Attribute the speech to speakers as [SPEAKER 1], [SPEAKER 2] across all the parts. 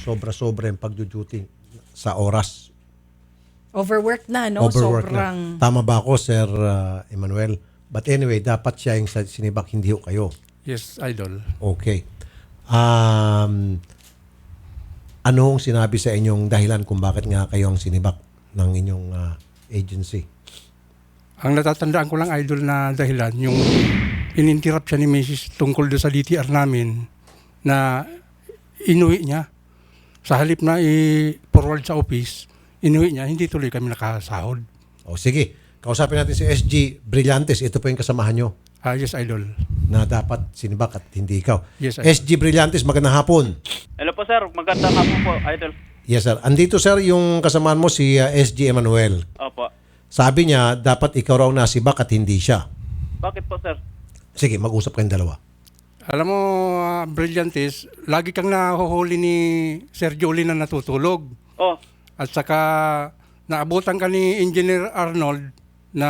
[SPEAKER 1] sobra-sobra yung pagduduty sa oras.
[SPEAKER 2] Overworked na, no?
[SPEAKER 1] Overwork
[SPEAKER 2] Sobrang...
[SPEAKER 1] na. Tama ba ako, Sir Emmanuel? But anyway, dapat siya yung sinibak, hindi ho kayo.
[SPEAKER 3] Yes, Idol.
[SPEAKER 1] Okay. Ano ang sinabi sa inyong dahilan kung bakit nga kayo ang sinibak ng inyong agency?
[SPEAKER 3] Ang natatandaan ko lang, Idol, na dahilan, yung ininterrupt siya ni Mrs. tungkol doon sa DTR namin na inuwi niya. Sa halip na i-forward sa office, inuwi niya, hindi tuloy kami nakasahod.
[SPEAKER 1] O sige, kausapin natin si SG Brillantes. Ito po yung kasamahan nyo
[SPEAKER 3] Yes, Idol.
[SPEAKER 1] na dapat sinibak at hindi ikaw.
[SPEAKER 3] Yes, Idol.
[SPEAKER 1] SG Brillantes, magandang hapon.
[SPEAKER 4] Hello po sir, magandang hapon po, idol.
[SPEAKER 1] Yes sir. Andito sir yung kasamahan mo si SG Emmanuel.
[SPEAKER 4] Opo.
[SPEAKER 1] Sabi niya, dapat ikaw raw nasibak at hindi siya.
[SPEAKER 4] Bakit po sir?
[SPEAKER 1] Sige, mag-usap kayong dalawa.
[SPEAKER 3] Alam mo, Brillantes, lagi kang nahuhuli ni Sir Jolie na natutulog.
[SPEAKER 4] Oh,
[SPEAKER 3] At saka naabutan ka ni Engineer Arnold na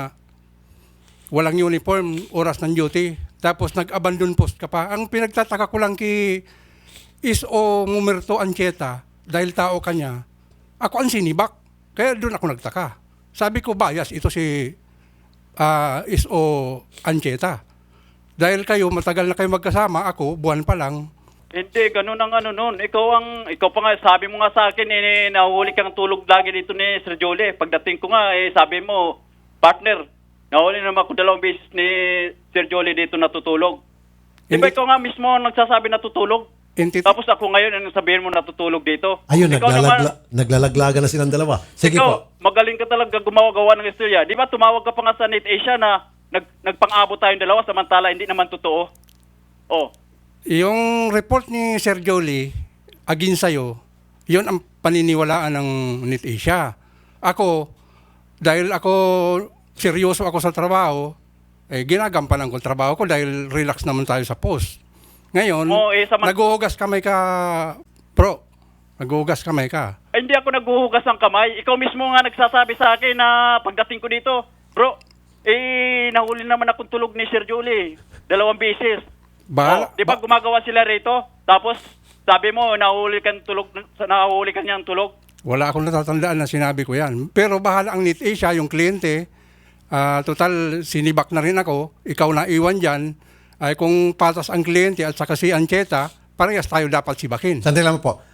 [SPEAKER 3] walang uniform, oras ng duty. Tapos nag-abandon post ka pa. Ang pinagtataka ko lang kay Is.O. Mumerto Ancheta, dahil tao ka niya, ako ang sinibak. Kaya doon ako nagtaka. Sabi ko, bias, ito si Is.O. Ancheta. Dahil kayo, matagal na kayo magkasama, ako, buwan pa lang.
[SPEAKER 4] hindi, ganun ang ano nun. Ikaw pa nga, sabi mo nga sa akin, nahuli kang tulog lagi dito ni Sir Jolie. Pagdating ko nga, sabi mo, partner, nahuli naman ako 2 beses ni Sir Jolie dito natutulog. Di ba
[SPEAKER 3] Hindi.
[SPEAKER 4] ikaw nga mismo ang nagsasabi natutulog? Tapos ako ngayon, ang sabihin mo natutulog dito?
[SPEAKER 1] Ayun,
[SPEAKER 4] Ikaw naman,
[SPEAKER 1] naglalaglagan na silang dalawa. Sige po.
[SPEAKER 4] ikaw, magaling ka talaga gumawa-gawa ng istorya. Di ba tumawag ka pa nga sa NetAsia na nagpang-abot tayong dalawa samantala hindi naman totoo? Oh.
[SPEAKER 3] Yung report ni Sir Jolie, agin sa'yo, yun ang paniniwalaan ng NetAsia. Ako, dahil ako, seryoso ako sa trabaho, ginagampanan ko ang trabaho ko dahil relax naman tayo sa post. Ngayon, naguhugas kamay ka, bro. Naguhugas kamay ka.
[SPEAKER 4] Hindi ako naghuhugas ng kamay. Ikaw mismo nga nagsasabi sa akin na pagdating ko dito, bro, nahuli naman akong tulog ni Sir Jolie 2 beses. Di ba gumagawa sila rito? Tapos, sabi mo, nahuli ka niyang tulog?
[SPEAKER 3] Wala akong natatandaan na sinabi ko yan. Pero bahala ang NetAsia, yung kliyente, total, sinibak na rin ako, ikaw na iwan dyan, ay kung patas ang kliyente at saka si Ancheta, parehas tayo dapat sibakin.
[SPEAKER 1] Sandali lang po.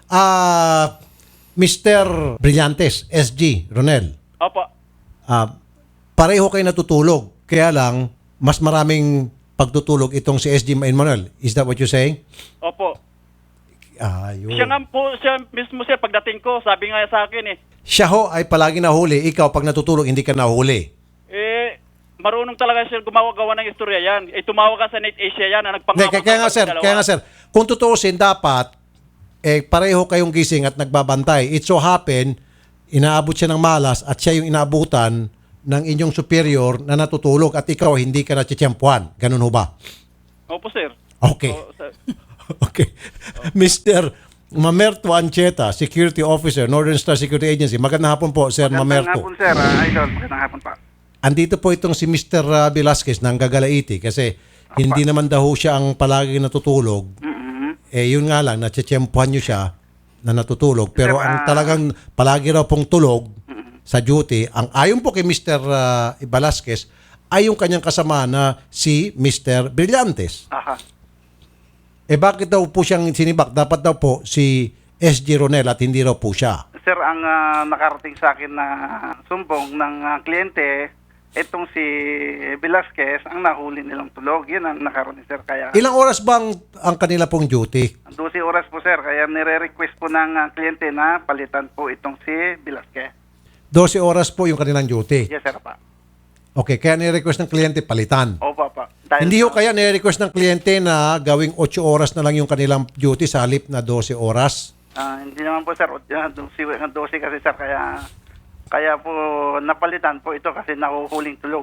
[SPEAKER 1] Mr. Brillantes, SG, Ronel.
[SPEAKER 4] Opo.
[SPEAKER 1] Pareho kayo natutulog. Kaya lang, mas maraming pagtutulog itong si SG Emmanuel. Is that what you're saying?
[SPEAKER 4] Opo.
[SPEAKER 1] Yun.
[SPEAKER 4] Siya mismo sir, pagdating ko, sabi nga sa akin
[SPEAKER 1] Siya ho ay palagi nahuli. Ikaw, pag natutulog, hindi ka nahuli.
[SPEAKER 4] marunong talaga sir gumawa-gawa ng istorya yan. Tumawag ka sa NetAsia yan na nagpangako.
[SPEAKER 1] Kaya nga sir, kung tutuusin dapat, pareho kayong gising at nagbabantay. It so happen, inaabot siya ng malas at siya yung inaabutan ng inyong superior na natutulog at ikaw hindi ka natsitsyempuan. Ganun ho ba?
[SPEAKER 4] Opo sir.
[SPEAKER 1] Okay.
[SPEAKER 4] Sir.
[SPEAKER 1] Okay. Mr. Mamerto Ancheta, Security Officer, Northern Star Security Agency. Magandang hapon po, Sir Mamerto.
[SPEAKER 5] Magandang hapon, sir. Idol, magandang hapon pa.
[SPEAKER 1] Andito po itong si Mr. Velasquez ng Gagalaiti kasi hindi naman daw siya ang palagi natutulog. Yun nga lang, natsitsyempuhan nyo siya na natutulog. Pero
[SPEAKER 5] Sir,
[SPEAKER 1] ang talagang palagi raw pong tulog sa duty, ang ayon po kay Mr. Velasquez, ay yung kanyang kasama na si Mr. Brillantes.
[SPEAKER 5] Aha.
[SPEAKER 1] Bakit daw po siyang sinibak? Dapat daw po si SG Ronel at hindi raw po siya.
[SPEAKER 5] Sir, ang nakarating sa akin na sumbong ng kliyente, itong si Velasquez, ang nahuli nilang tulog. Yun ang nakarating, sir. Kaya,
[SPEAKER 1] Ilang oras bang ang kanila pong duty?
[SPEAKER 5] 12 oras po, sir. Kaya nire-request po ng kliyente na palitan po itong si Velasquez.
[SPEAKER 1] 12 oras po yung kanilang duty.
[SPEAKER 5] Yes, sir, pa.
[SPEAKER 1] Okay, kaya ni-request ng kliyente palitan.
[SPEAKER 5] Opo, pa. Dahil
[SPEAKER 1] Hindi ho kaya ni-request ng kliyente na gawing 8 oras na lang yung kanilang duty sa halip na 12 oras?
[SPEAKER 5] hindi naman po, sir. 12 kasi, sir. Kaya po napalitan po ito kasi nahuhuling tulog.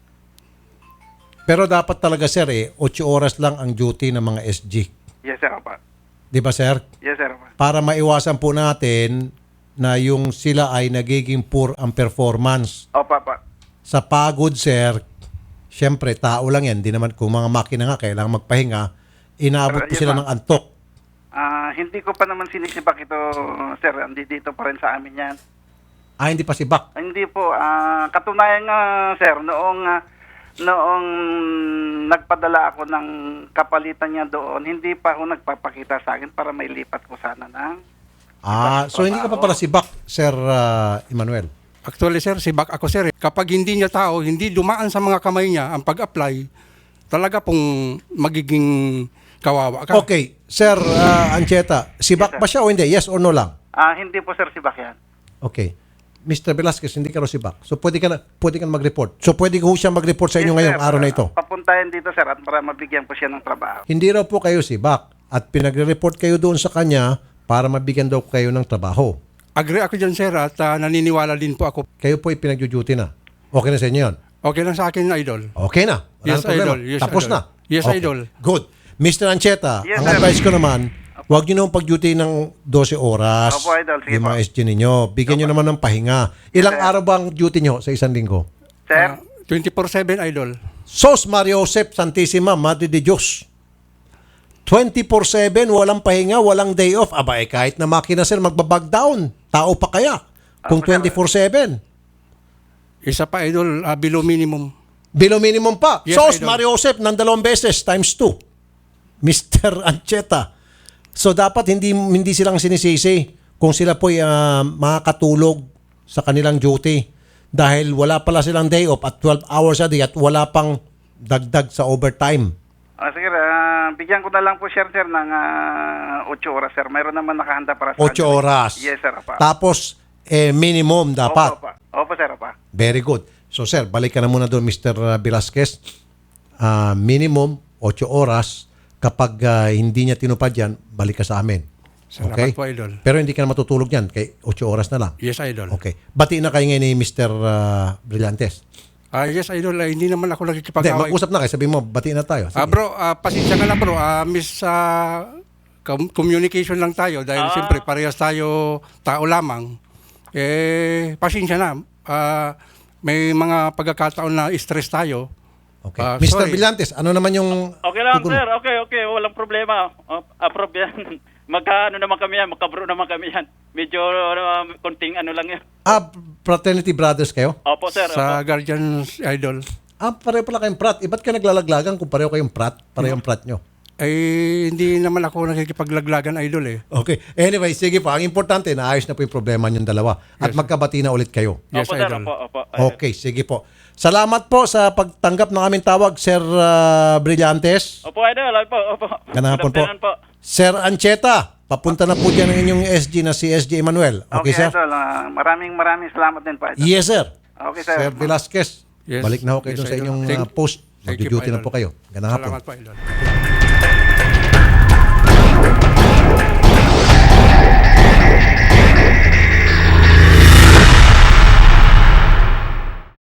[SPEAKER 1] Pero dapat talaga sir 8 oras lang ang duty ng mga SG.
[SPEAKER 5] Yes, sir, pa.
[SPEAKER 1] Di ba sir?
[SPEAKER 5] Yes, sir, pa.
[SPEAKER 1] Para maiwasan po natin na yung sila ay nagiging poor ang performance.
[SPEAKER 5] Opo, pa.
[SPEAKER 1] Sa pagod sir, syempre tao lang yan. Di naman kung mga makina nga kailangan magpahinga, inaabot po
[SPEAKER 5] Yes,
[SPEAKER 1] sila
[SPEAKER 5] ma'am.
[SPEAKER 1] ng antok.
[SPEAKER 5] Hindi ko pa naman sinisibak ito, sir. Dito pa rin sa amin yan.
[SPEAKER 1] Hindi pa si Bak.
[SPEAKER 5] Hindi po. Katunayan nga, sir, noong nagpadala ako ng kapalitan niya doon, hindi pa ako nagpapakita sa akin para may lipat ko sana ng
[SPEAKER 1] So hindi ka pa pala si Bak, Sir Emmanuel.
[SPEAKER 3] Actually, sir, si Bak ako, sir. Kapag hindi niya tao, hindi dumaan sa mga kamay niya ang pag-apply, talaga pong magiging kawawa ka.
[SPEAKER 1] Okay, Sir Ancheta, si Bak ba siya o hindi? Yes or no lang?
[SPEAKER 5] Hindi po, sir, si Bakyan.
[SPEAKER 1] Okay. Mr. Velasquez, hindi ka raw si Bak. So pwede ka mag-report. So pwede ko siya mag-report sa inyo ngayong araw na ito.
[SPEAKER 5] Papuntahin dito, sir, at para mabigyan ko siya ng trabaho.
[SPEAKER 1] Hindi raw po kayo si Bak at pinagre-report kayo doon sa kanya para mabigyan daw kayo ng trabaho.
[SPEAKER 3] Agree ako dyan, sir, at naniniwala din po ako.
[SPEAKER 1] Kayo po pinag-duty na. Okay na sa inyo yun?
[SPEAKER 3] Okay lang sa akin, idol.
[SPEAKER 1] Okay na. Walang
[SPEAKER 3] Yes,
[SPEAKER 1] problema.
[SPEAKER 3] idol. Yes,
[SPEAKER 1] Tapos
[SPEAKER 3] idol.
[SPEAKER 1] na.
[SPEAKER 3] Yes,
[SPEAKER 1] Okay.
[SPEAKER 3] idol.
[SPEAKER 1] Good. Mr. Ancheta,
[SPEAKER 5] Yes,
[SPEAKER 1] ang
[SPEAKER 5] sir.
[SPEAKER 1] advice ko naman, huwag nyo naman pag-duty ng 12 oras.
[SPEAKER 5] Opo, idol. Sige
[SPEAKER 1] yung mga
[SPEAKER 5] po.
[SPEAKER 1] SG ninyo. Bigyan nyo naman ng pahinga. Ilang araw ba ang duty nyo sa isang linggo?
[SPEAKER 5] Sir?
[SPEAKER 3] 24/7, idol.
[SPEAKER 1] Sos Mario Josep Santissima, Madre de Dios. 24/7, walang pahinga, walang day off. Kahit na makina sir, magbabag down. Tao pa kaya? Kung 24/7.
[SPEAKER 3] Isa pa, idol, below minimum.
[SPEAKER 1] Below minimum pa.
[SPEAKER 3] Yes,
[SPEAKER 1] Sos
[SPEAKER 3] idol.
[SPEAKER 1] Mario Josep ng 2 beses times 2. Mr. Ancheta. So dapat hindi silang sinisisi kung sila po'y makakatulog sa kanilang duty dahil wala pala silang day off at 12 hours a day at wala pang dagdag sa overtime.
[SPEAKER 5] Sige, bigyan ko na lang po, sir, ng 8 oras, sir. Mayroon naman nakahanda para sa
[SPEAKER 1] 8 oras.
[SPEAKER 5] Yes, sir, apa.
[SPEAKER 1] Tapos minimum dapat.
[SPEAKER 5] Opo, sir, apa.
[SPEAKER 1] Very good. So sir, balik ka na muna doon Mr. Velasquez. Minimum 8 oras. Kapag hindi niya tinupad yan, balik ka sa amin.
[SPEAKER 3] Salamat
[SPEAKER 1] Okay?
[SPEAKER 3] po, idol.
[SPEAKER 1] Pero hindi ka na matutulog yan. Kay 8 oras na lang.
[SPEAKER 3] Yes, idol.
[SPEAKER 1] Okay. Bati na kayo ngayon ni Mr. Brillantes.
[SPEAKER 3] Yes, idol, hindi naman ako
[SPEAKER 1] Hindi,
[SPEAKER 3] nakikipag-away.
[SPEAKER 1] mag-usap na kayo. Sabi mo, bati na tayo. Sige.
[SPEAKER 3] Bro, pasensya ka na, bro. Miss, communication lang tayo dahil siyempre parehas tayo tao lamang. Pasensya na. May mga pagkakataon na stress tayo.
[SPEAKER 1] Okay. Mr.
[SPEAKER 3] Sorry.
[SPEAKER 1] Brillantes, ano naman yung...
[SPEAKER 4] Okay lang,
[SPEAKER 1] tugon mo?
[SPEAKER 4] sir. Okay. Walang problema. Approve yan. Magkaano naman kami yan. Magkabro naman kami yan. Medyo konting ano lang yan.
[SPEAKER 1] Fraternity brothers kayo?
[SPEAKER 4] Opo, sir.
[SPEAKER 3] Sa
[SPEAKER 4] Opo.
[SPEAKER 3] Guardians, idol.
[SPEAKER 1] Pareho pala kayong prat. Ba't ka naglalaglagan kung pareho kayong prat? Pareho yung prat nyo.
[SPEAKER 3] Hindi naman ako nakikipaglaglagan, idol eh.
[SPEAKER 1] Okay. Anyway, sige po. Ang importante, naayos na po yung problema niyong dalawa. At magkabati na ulit kayo.
[SPEAKER 3] Yes,
[SPEAKER 4] Opo, sir.
[SPEAKER 3] idol.
[SPEAKER 4] Opo.
[SPEAKER 1] Okay, sige po. Salamat po sa pagtanggap ng aming tawag, Sir Brillantes.
[SPEAKER 4] Opo, idol. Opo.
[SPEAKER 1] Ganapon
[SPEAKER 4] Good afternoon po.
[SPEAKER 1] Sir Ancheta, papunta na po dyan ang inyong SG na si SG Emmanuel. Okay, sir?
[SPEAKER 5] idol. Maraming salamat din po, idol.
[SPEAKER 1] Yes, sir.
[SPEAKER 5] Okay, sir.
[SPEAKER 1] Sir Velasquez,
[SPEAKER 3] Yes.
[SPEAKER 1] balik na ho kayo
[SPEAKER 3] Yes,
[SPEAKER 1] doon sa
[SPEAKER 3] idol.
[SPEAKER 1] inyong
[SPEAKER 3] Thank-
[SPEAKER 1] post.
[SPEAKER 3] Thank you
[SPEAKER 1] Mag-duty na
[SPEAKER 3] idol.
[SPEAKER 1] po kayo. Ganapon.
[SPEAKER 3] Salamat po, idol.